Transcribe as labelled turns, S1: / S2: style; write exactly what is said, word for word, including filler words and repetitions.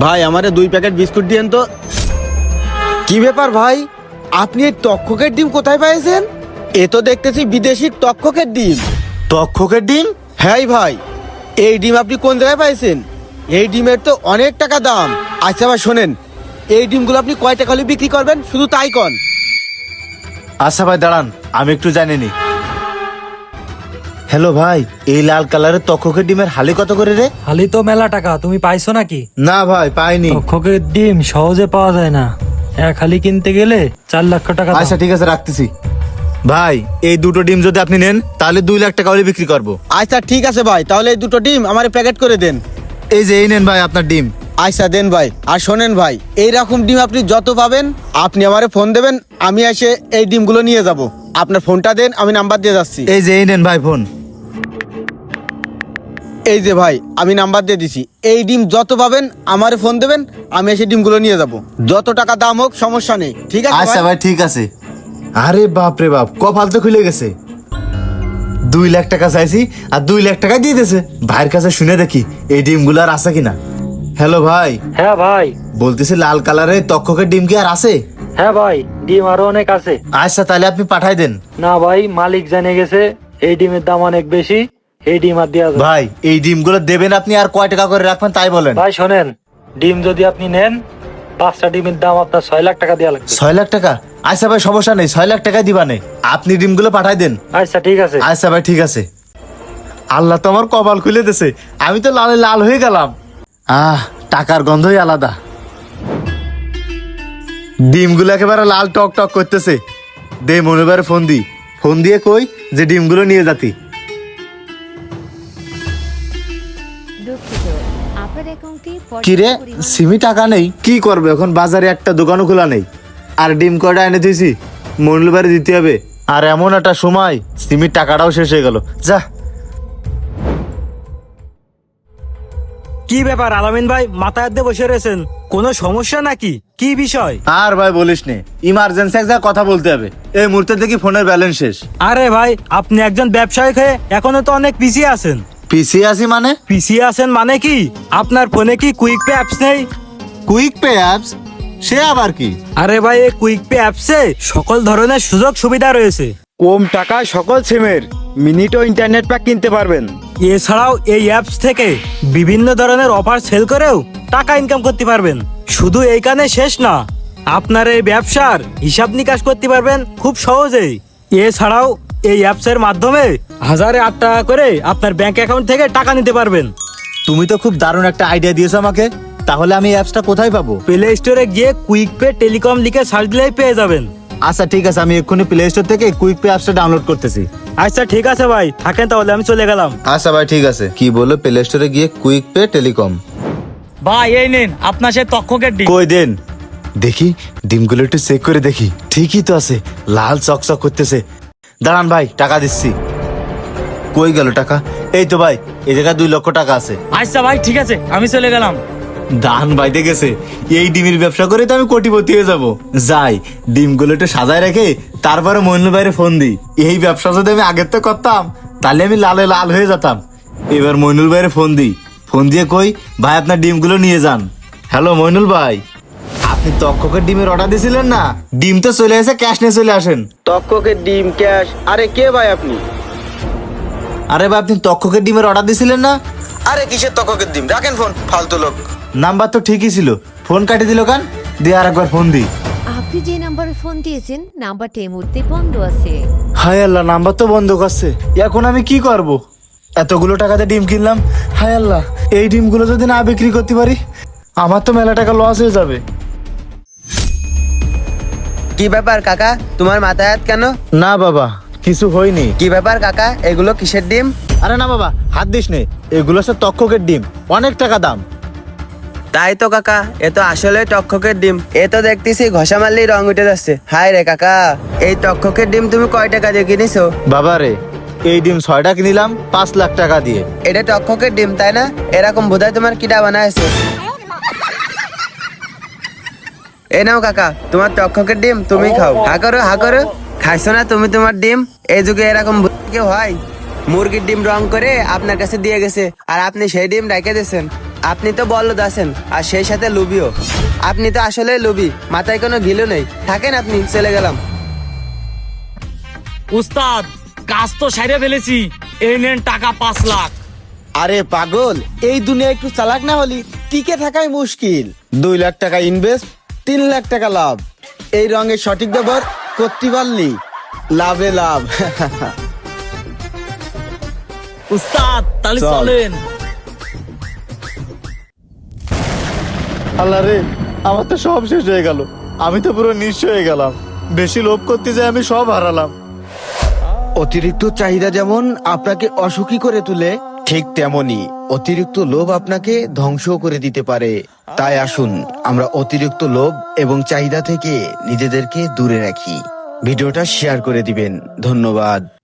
S1: ভাই আমারে দুই প্যাকেট বিস্কুট দিয়েন তো। কি ব্যাপার ভাই, আপনি এই তক্ষকের ডিম কোথায় পেয়েছেন? এ তো দেখতেছি বিদেশি তক্ষকের ডিম।
S2: তক্ষকের ডিম?
S1: হ্যাঁ ভাই, এই ডিম আপনি কোন জায়গায় পাইছেন? এই ডিমের তো অনেক টাকা দাম। আচ্ছা ভাই শোনেন, এই ডিমগুলো আপনি কয় টাকা হলে বিক্রি করবেন শুধু তাই কন।
S2: আচ্ছা ভাই দাঁড়ান, আমি একটু জানিনি। হ্যালো ভাই, এই লাল কালারের তক্ষকের ডিমের হালি কত করে রে?
S3: হালি তো মেলা টাকা, তুমি পাইছো নাকি?
S2: না ভাই পাইনি।
S3: তক্ষকের ডিম সহজে পাওয়া যায় না, এক হালি কিনতে গেলে চার লক্ষ টাকা দাম।
S2: আচ্ছা ঠিক আছে, রাখতেছি। ভাই এই দুটো ডিম যদি আপনি নেন তাহলে দুই লাখ টাকা হলে বিক্রি করবো।
S1: আচ্ছা ঠিক আছে ভাই, তাহলে এই দুটো ডিম আমার প্যাকেট করে দেন।
S2: এই যে এই নেন ভাই আপনার ডিম।
S1: আচ্ছা দেন ভাই। আর শোনেন ভাই, এইরকম ডিম আপনি যত পাবেন আপনি আমারে ফোন দেবেন, আমি এসে এই ডিমগুলো নিয়ে যাব। আপনার ফোনটা দেন, আমি নাম্বার দিয়ে যাচ্ছি।
S2: এই যে এই নেন ভাই ফোন।
S1: এই যে ভাই আমি নাম্বার দিয়ে দিছি। এই ডিম যত পাবেন আমারে ফোন দেবেন, আমি এসে ডিমগুলো নিয়ে যাব। যত টাকা দাম হোক সমস্যা নেই, ঠিক আছে
S2: আচ্ছা
S1: ভাই?
S2: ভাই ঠিক আছে। আরে বাপ রে বাপ, কপাল তো খুলে গেছে। দুই লাখ টাকা চাইছি আর দুই লাখ টাকা দিয়ে দিয়েছে। ভাইয়ের কাছে শুনে দেখি এই ডিমগুলো আর আছে কিনা। হ্যালো ভাই,
S3: হ্যাঁ ভাই।
S2: বলতেছি লাল কালারের তক্ষকের ডিম কি আর আছে?
S3: হ্যাঁ ভাই, ডিম আরো অনেক আছে।
S2: আচ্ছা তাহলে আপনি পাঠাই দেন।
S3: না ভাই, মালিক জেনে গেছে এই ডিমের দাম অনেক বেশি, এই ডিম আর দেওয়া যায় না।
S2: ভাই এই ডিমগুলো দেবেন আপনি, আর কয় টাকা করে রাখবেন তাই বলেন।
S3: ভাই শোনেন, ডিম যদি আপনি নেন, পাঁচটা ডিমের দাম আপনার ছয় লাখ টাকা দেওয়া লাগবে।
S2: ছয় লাখ টাকা? আচ্ছা ভাই সমস্যা নেই, ছয় লাখ টাকাই দিবানে, আপনি ডিমগুলো পাঠাই দেন।
S3: আচ্ছা ঠিক আছে।
S2: আচ্ছা ভাই ঠিক আছে। আল্লাহ তো আমার কপাল খুলে দিয়েছে, আমি তো লালে লাল হয়ে গেলাম। আহ টাকার গন্ধই আলাদা। ডিমগুলো একেবারে লাল টক টক করতেছে। দে মনোবারে ফোন দি, ফোন দিয়ে কই যে ডিমগুলো নিয়ে যাতি।
S4: দুঃখিত, আপনার অ্যাকাউন্টে
S2: কিরে সিমি টাকা নেই, কি করবে এখন? বাজারে একটা দোকানও খোলা নেই, আর ডিম কয়টা এনে দিয়েছি মঙ্গলবারে দিতে হবে। আর এমন একটা সময় সিমির টাকাটাও শেষ হয়ে গেল। যা।
S3: কি ব্যাপার আলামিন ভাই, মাথায় হাত দিয়ে বসে রয়েছেন, কোনো সমস্যা নাকি? কি বিষয়?
S2: আর ভাই বলিস নে, ইমার্জেন্সি এক জায়গায় কথা বলতে হবে। এই মুহূর্তে দেখি ফোনের ব্যালেন্স শেষ।
S3: আরে ভাই, আপনি একজন ব্যবসায়িক হয়ে এখনো তো অনেক পিছিয়ে আছেন।
S2: পিছিয়ে আছি মানে?
S3: পিছিয়ে আছেন মানে কি, আপনার ফোনে কি কুইক পে অ্যাপস নেই?
S2: Quick Pay apps? সে আবার কি?
S3: আরে ভাই, এই কুইক পে অ্যাপসে সকল ধরনের সুযোগ সুবিধা রয়েছে।
S1: কম টাকায় সকল সিমের মিনিট ও ইন্টারনেট প্যাক কিনতে পারবেন।
S3: এছাড়াও এই অ্যাপস থেকে বিভিন্ন ধরনের অফার সেল করেও টাকা ইনকাম করতে পারবেন। শুধু এইখানে শেষ না, আপনার এই ব্যবসার হিসাব নিকাশ করতে পারবেন খুব সহজেই। এছাড়াও এই অ্যাপসের মাধ্যমে হাজারে আট টাকা করে আপনার ব্যাংক অ্যাকাউন্ট থেকে টাকা নিতে পারবেন।
S2: তুমি তো খুব দারুণ একটা আইডিয়া দিয়েছো আমাকে। তাহলে আমি অ্যাপসটা কোথায় পাবো?
S3: প্লে স্টোরে গিয়ে কুইক পে টেলিকম লিখে সার্চ দিলেই পেয়ে যাবেন।
S2: আচ্ছা ঠিক আছে, আমি এক্ষুনি প্লে স্টোর থেকে কুইক পে অ্যাপসটা ডাউনলোড করতেছি।
S3: আচ্ছা ঠিক আছে ভাই, থাকেন তাহলে, আমি চলে গেলাম।
S2: আচ্ছা ভাই ঠিক আছে। কি বললো? প্লে স্টোরে গিয়ে কুইক পে টেলিকম।
S3: ভাই এই নিন আপনার সে তক্ষকের ডিম।
S2: কই দেন দেখি, ডিমগুলো একটু চেক করে দেখি। ঠিকই তো আছে, লাল চকচক করতেছে। দাঁড়ান ভাই, টাকা দিচ্ছি। কই গেল টাকা? এই তো ভাই, এই জায়গায় দুই লক্ষ টাকা আছে।
S3: আচ্ছা ভাই ঠিক আছে, আমি চলে গেলাম।
S2: দান বাইতে গেছে। এই ডিমের ব্যবসা করে তো আমি কোটিপতি হয়ে যাব। যাই, ডিমগুলো একটু সাজায় রেখে তারপরে মইনুল ভাইয়ের ফোন দিই। এই ব্যবসা যদি আমি আগের তো করতাম তাহলে আমি লালে লাল হয়ে যেতাম। এবার মইনুল ভাইয়ের ফোন দিই, ফোন দিয়ে কই ভাই আপনার ডিমগুলো নিয়ে যান। হ্যালো মইনুল ভাই, আপনি তক্ষকের ডিমের অর্ডার দিয়েছিলেন না? ডিম তো চলে এসে, ক্যাশ নিয়ে চলে আসেন।
S1: তক্ষকের ডিম ক্যাশ? আরে কে ভাই আপনি?
S2: আরে ভাই আপনি তক্ষকের ডিমের অর্ডার দিয়েছিলেন না?
S1: আরে কিসের তক্ষকের ডিম? রাখেন ফোন, ফালতু লোক।
S2: নাম্বার তো ঠিকই ছিল, ফোন কাটি দিল কেন? দিয়ে আর একবার ফোন দিই।
S4: আপনি যে নাম্বারে ফোন দিয়েছেন নাম্বারটা এই মুহূর্তে বন্ধ আছে।
S2: হায় আল্লাহ, নাম্বার তো বন্ধ করছে। এখন আমি কি করব? এতগুলো টাকাতে ডিম কিনলাম, হায় আল্লাহ, এই ডিমগুলো যদি না বিক্রি করতে পারি আমার তো মেলা টাকা লস হয়ে যাবে।
S1: কি ব্যাপার কাকা, তোমার মাথায় হাত কেন?
S2: না বাবা, কিছু হয়নি।
S1: কি ব্যাপার কাকা, এগুলো কিসের ডিম?
S2: আরে না বাবা, হাত দিস নে, এগুলো সব তক্ষকের ডিম, অনেক টাকা দাম।
S5: তাই তো কাকা, এ তো আসলে তক্ষকের ডিম। এ তো দেখতেছি ঘষা মারলেই রং উঠে যাচ্ছে। হায় রে কাকা, এই তক্ষকের ডিম তুমি কয় টাকা দিয়ে কিনেছো?
S2: বাবা রে, এই ডিম ছয়টা কিনিলাম পাঁচ লাখ টাকা দিয়ে।
S5: এটা তক্ষকের ডিম তাই না? এরকম বোধহয় তোমার কিডা বানাইছে। এ নাও কাকা, তোমার তক্ষকের ডিম, তুমি খাও। হা করো হা করো, খাইছো না তুমি তোমার ডিম? এই যুগে এরকম কেউ হয়? মুরগির ডিম রং করে আপনার কাছে দিয়ে গেছে আর আপনি সেই ডিম রেখে দিয়েছেন। আপনি তো বলদ আছেন আর সেই সাথে লুবিও। আপনি তো আসলে লুবি, মাথায় কোনো গিলো নেই। থাকেন আপনি, চলে গেলাম।
S3: উস্তাদ, কাজ তো সাইরে ফেলেছি, এই নেন টাকা পাঁচ লাখ।
S1: আরে পাগল, এই দুনিয়া একটু চালাক না হলি টিকে থাকাই মুশকিল। দুই লাখ টাকা ইনভেস্ট, তিন লাখ টাকা লাভ। এই রঙের সঠিক ব্যবহার করতে পারলি লাভে লাভ।
S3: উস্তাদ তাহলে
S1: চল।
S3: চলেন।
S2: আল্লাহ রে, আমার তো সব শেষ হয়ে গেল। আমি তো পুরো নিঃস্ব হয়ে গেলাম। বেশি লোভ করতে যাই আমি সব হারালাম।
S1: অতিরিক্ত চাহিদা যেমন আপনাকে অসুখী করে তুলে, ঠিক তেমনি অতিরিক্ত লোভ আপনাকে ধ্বংস করে দিতে পারে। তাই আসুন আমরা অতিরিক্ত লোভ এবং চাহিদা থেকে নিজেদেরকে দূরে রাখি। ভিডিওটা শেয়ার করে দিবেন। ধন্যবাদ।